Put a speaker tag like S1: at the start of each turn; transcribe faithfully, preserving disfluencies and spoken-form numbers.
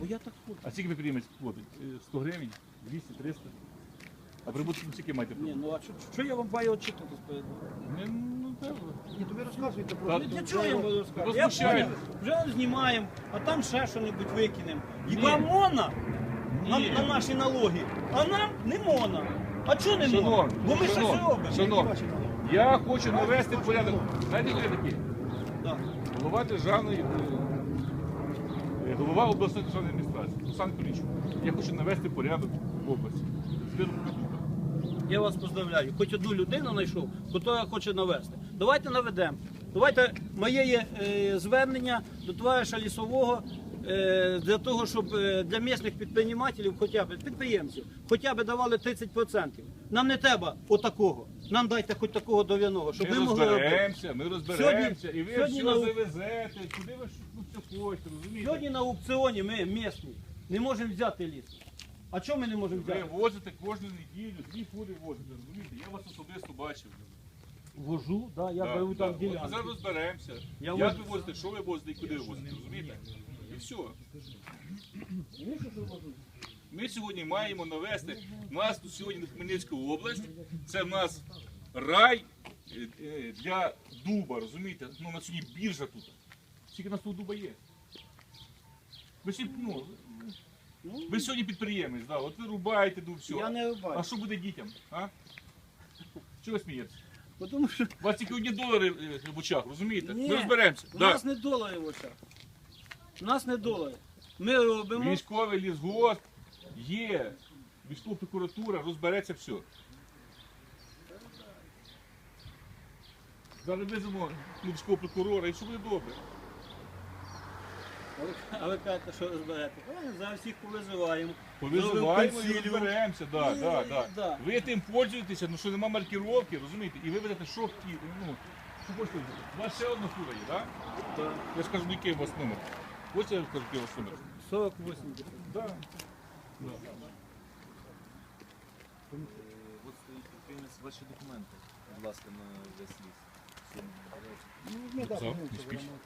S1: я так хочу.
S2: А скільки підприємець платить? Е, сто гривень? двісті, триста? А прибуток скільки маєте?
S1: Ні, ну а що, що я вам маю очікувати спереду?
S2: Не, ну, так.
S3: Ні, тобі розказуйте про
S2: Та-
S1: Ну, для чого я вам буду розказувати? Я
S2: Возмущає.
S1: понял, вже знімаємо, а там ще що-небудь викинемо. І
S2: Ні.
S1: вам можна на,
S2: Ні.
S1: на наші налоги, а нам не можна. А чого не можна?
S2: Шановні,
S1: Бо ми щось
S2: шановні,
S1: робимо.
S2: шановні, я хочу навести порядок. Знаєте, хто я такий?
S1: Да.
S2: Голова державної, е, е, голова обласної державної адміністрації, Олександр Кулічук. Я хочу навести порядок в області. Збіром продуктів.
S1: Я вас поздравляю. Хоч одну людину знайшов, яка хоче навести. Давайте наведемо. Давайте моє є е, звернення до товариша Лісового е, для того, щоб е, для місцевих підприємців, хоча б підприємців, хоча б давали тридцять відсотків. Нам не треба отакого. Нам дайте хоч такого дов'яного, щоб
S2: Ми
S1: ми могли робити.
S2: розберемося, ми розберемося,
S1: Сьогодні-
S2: і ви
S1: сьогодні
S2: все
S1: на-
S2: завезете, куди ви ж, ну, все хочете, розумієте?
S1: Сьогодні на аукціоні ми місні не можемо взяти ліс. А чого ми не можемо
S2: Ви
S1: взяти?
S2: возите кожну неділю, дві фури возите, розумієте? Я вас особисто бачив.
S1: Вожу, да, я
S2: Да,
S1: беру
S2: да.
S1: там
S2: От Ми
S1: ділянки.
S2: зараз розберемося.
S1: Я
S2: Як
S1: возу-
S2: ви возите, що ви возите і куди ви возите, розумієте? І все. Ми сьогодні маємо навести, у нас тут сьогодні Хмельницька область, це в нас рай е, е, для дуба, розумієте? Ну, у нас сьогодні біржа тут. Скільки у нас тут дуба є? Ви, сьогодні, ну, ви сьогодні підприємець, да, от ви рубаєте дуб, все.
S1: Я не рубаю.
S2: А що буде дітям? А? Чого ви смієтеся?
S1: Бо Тому що
S2: У вас тільки одні долари е, в очах, розумієте?
S1: Ні,
S2: Ми розберемося.
S1: у
S2: Да.
S1: нас не долари в очах. У нас не долари. Ми робимо.
S2: Військовий лісгосп є, військова прокуратура, розбереться все. Зараз визовемо ну, військового прокурора і все буде добре.
S1: А ви- А ви кажете, що розберете? Правильно, зараз всіх повизиваємо.
S2: Повизиваємо і
S1: Зробимо
S2: розберемося. Да,
S1: Ні,
S2: да, да.
S1: да.
S2: Ви тим пользуєтеся, ну що нема маркировки, розумієте? І ви ведете, що хотіли. Ну, що хочете. У вас ще одна фура є, так? Да?
S1: Да.
S2: Я скажу, який у вас номер. Ось я скажу, який у вас номер.
S1: сорок вісім.
S2: Да.
S4: От стоїть підприємець, ваші документи, будь ласка, на весь ліс.
S3: Ну, так,
S2: Записав?
S3: ну,
S2: Не
S3: це
S2: спіч?
S3: воно-